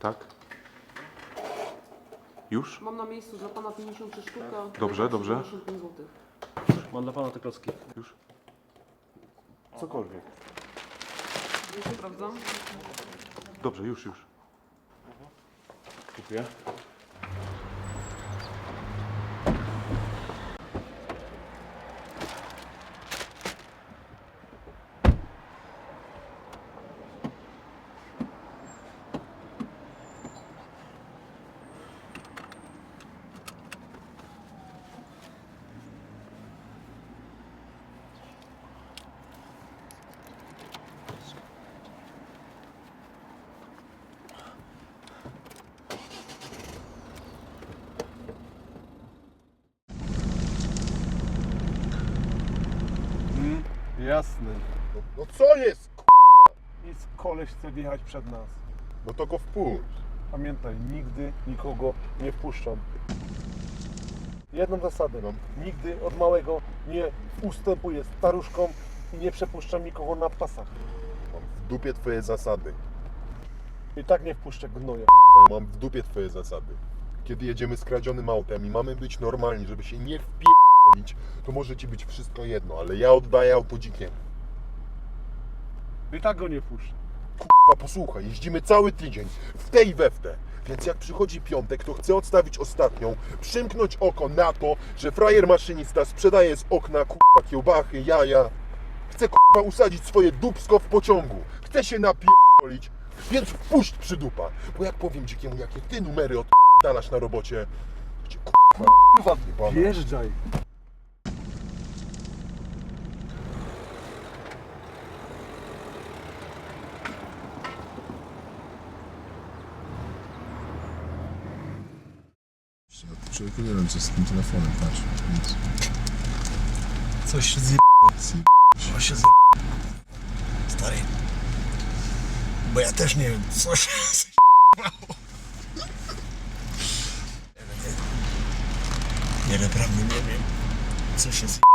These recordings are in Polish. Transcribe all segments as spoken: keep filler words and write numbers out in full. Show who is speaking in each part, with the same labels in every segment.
Speaker 1: Tak? Już?
Speaker 2: Mam na miejscu dla pana pięćdziesiąt trzy sztuka.
Speaker 1: Dobrze, dobrze.
Speaker 2: siedemdziesiąt pięć złotych.
Speaker 3: Mam dla pana te klocki.
Speaker 1: Już? Cokolwiek.
Speaker 2: Już sprawdzam.
Speaker 1: Dobrze, już, już.
Speaker 3: Dziękuję.
Speaker 4: Jasne.
Speaker 5: No, no co jest, k***a?
Speaker 4: Nic, koleś chce wjechać przed nas.
Speaker 5: No to go wpuść.
Speaker 4: Pamiętaj, nigdy nikogo nie wpuszczam. Jedną zasadę mam. Nigdy od małego nie ustępuję staruszkom i nie przepuszczam nikogo na pasach.
Speaker 5: Mam w dupie twoje zasady.
Speaker 4: I tak nie wpuszczę gnoja.
Speaker 5: K***a, Mam w dupie twoje zasady. Kiedy jedziemy skradzionym autem i mamy być normalni, żeby się nie wpierdolić, to może ci być wszystko jedno, ale ja oddaję auto dzikiemu.
Speaker 4: I tak go nie wpuszczę.
Speaker 5: K***a, posłuchaj, jeździmy cały tydzień, w tej i we w te. Więc jak przychodzi piątek, to chcę odstawić ostatnią, przymknąć oko na to, że frajer maszynista sprzedaje z okna k***a kiełbachy, jaja. Chcę k***a usadzić swoje dupsko w pociągu. Chcę się napierdolić, więc wpuść przydupa. Bo jak powiem dzikiemu, jakie ty numery odpierdalasz na robocie, to cię k***a jebana.
Speaker 4: Wjeżdżaj.
Speaker 6: Człowieku, nie wiem co z tym telefonem, patrz, nic.
Speaker 7: Coś się zje... Coś się zje... Stary. Bo ja też nie wiem, co się zjebało. Nie, naprawdę nie wiem, co się zje...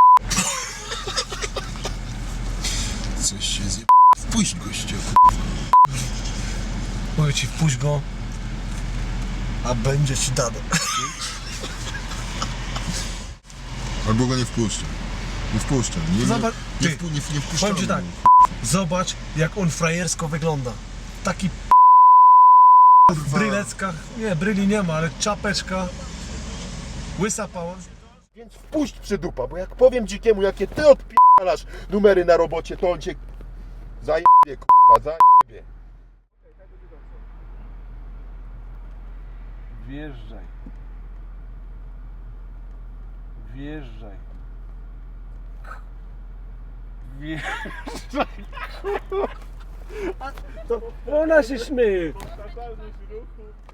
Speaker 6: Coś się zje... Wpuść gościa,
Speaker 7: Mówię ci, wpuść go, a będzie ci dane.
Speaker 6: albo go nie wpuszczę. Nie wpuszczę. Nie, nie,
Speaker 7: Zobacz,
Speaker 6: nie,
Speaker 7: ty,
Speaker 6: wpu, nie, nie wpuszczamy.
Speaker 7: Powiem ci tak, zobacz jak on frajersko wygląda. Taki w bryleckach, nie, bryli nie ma, ale czapeczka, łysa pała.
Speaker 5: Więc wpuść przydupa, bo jak powiem dzikiemu, jakie ty odpierdalasz numery na robocie, to on cię zajebie, k***a, zajebie.
Speaker 4: Wjeżdżaj. Wjeżdżaj. Wjeżdżaj. To ona się śmieje.